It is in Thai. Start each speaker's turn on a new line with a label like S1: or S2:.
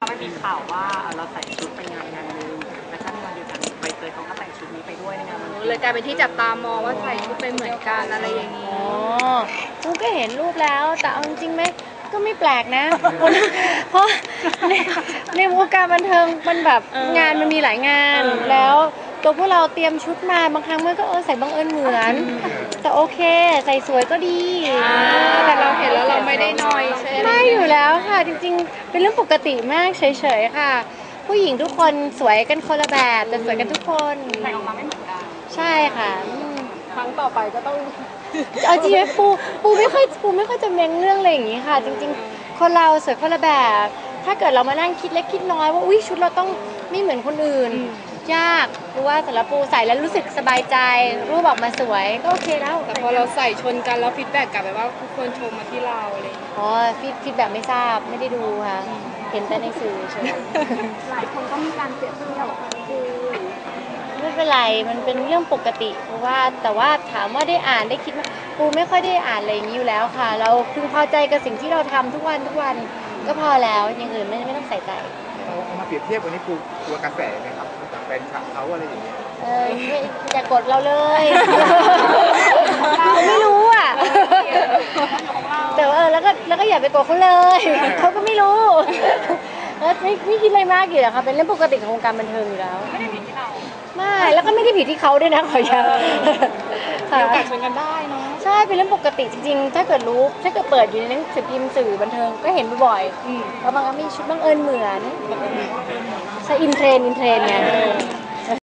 S1: ไม่มีข่าวว่าเราใส่ชุดไปงานงานนึงและถ้าในวันเดียวกันใบเตยเขาก็แต่งชุดนี้ไปด้วยในงานวัน
S2: เลยกลายเป็นที่จับตามองว่าใส่ชุดไปเหมือนกันอะไรอย่างนี้
S3: อ๋อกูก็เห็นรูปแล้วแต่เอาจริงๆไหมก็ไม่แปลกนะเพราะในวงการบันเทิงมันแบบงานมันมีหลายงานแล้วตัวพวกเราเตรียมชุดมาบางครั้งมันก็ใส่บังเอิญเหมือนแต่โอเคใส่สวยก็ดี
S2: แต่เราเห็นแล้วเราไม่ได้นอยใช่ไหม
S3: ไม่อยู่แล้วค่ะจริงๆเป็นเรื่องปกติมากเฉยๆค่ะผู้หญิงทุกคนสวยกันคนละแบบแต่สวยกันทุกคน
S1: แต่ออกมาไม่เหมือนกัน
S3: ใช่ค่ะ
S2: ครั้งต่อไปก็ต้อง
S3: เอาจริงๆปูไม่ค่อยจะเม้นเรื่องอะไรอย่างนี้ค่ะจริงๆคนเราสวยคนละแบบถ้าเกิดเรามานั่งคิดเล็กคิดน้อยว่าอุ้ยชุดเราต้องไม่เหมือนคนอื่นยากเพราะว่าสำหรับปูใส่แล้วรู้สึกสบายใจรูปออกมาสวยก็โอเคแล้ว
S2: แต่พอเราใส่ชนกันแล้วฟีดแบ็กกลับไปว่าทุกคนชมมาที่เราอะไร
S3: อ๋อฟีดแบบไม่ทราบไม่ได้ดูค่ะเห็นแต่ในสื่อเฉย
S1: หลายคนก็มีการเปรียบเทียบคือ
S3: ไม่เป็นไรมันเป็นเรื่องปกติเพราะว่าแต่ว่าถามว่าได้อ่านได้คิดว่าปูไม่ค่อยได้อ่านอะไรอย่างนี้อยู่แล้วค่ะเราพึงพอใจกับสิ่งที่เราทำทุกวันก็พอแล้วอย่างอื่นไม่ต้องใส่ใจ
S4: เอามาเปรียบเทียบวันนี้กลัวกระแสไหมครับจากแฟนคลับเขาอะไรอย่างเงี้ย
S3: อย่ากดเราเลยเราไม่รู้อ่ะแต่ว่าแล้วก็อย่าไปกดเขาเลยเขาก็ไม่รู้ไม่คิดอะไรมากอยู่แล้วค่ะเป็นเรื่องปกติของวงการบันเทิงอยู่แล้ว
S1: ไม่ได้ผิดที่เรา
S3: ไม่แล้วก็ไม่ได้ผิดที่เขาด้วยนะขอย้
S2: ำมีโอกาสชนกันได้เนาะ
S3: ใช่เป็นเรื่องปกติจริงๆถ้าเกิดเปิดอยู่ในหนังสือพิมพ์สื่อบันเทิงก็เห็นบ่อยๆแล้วบางครั้งมีชุดบังเอิญเหมือนใช่อินเทรนไง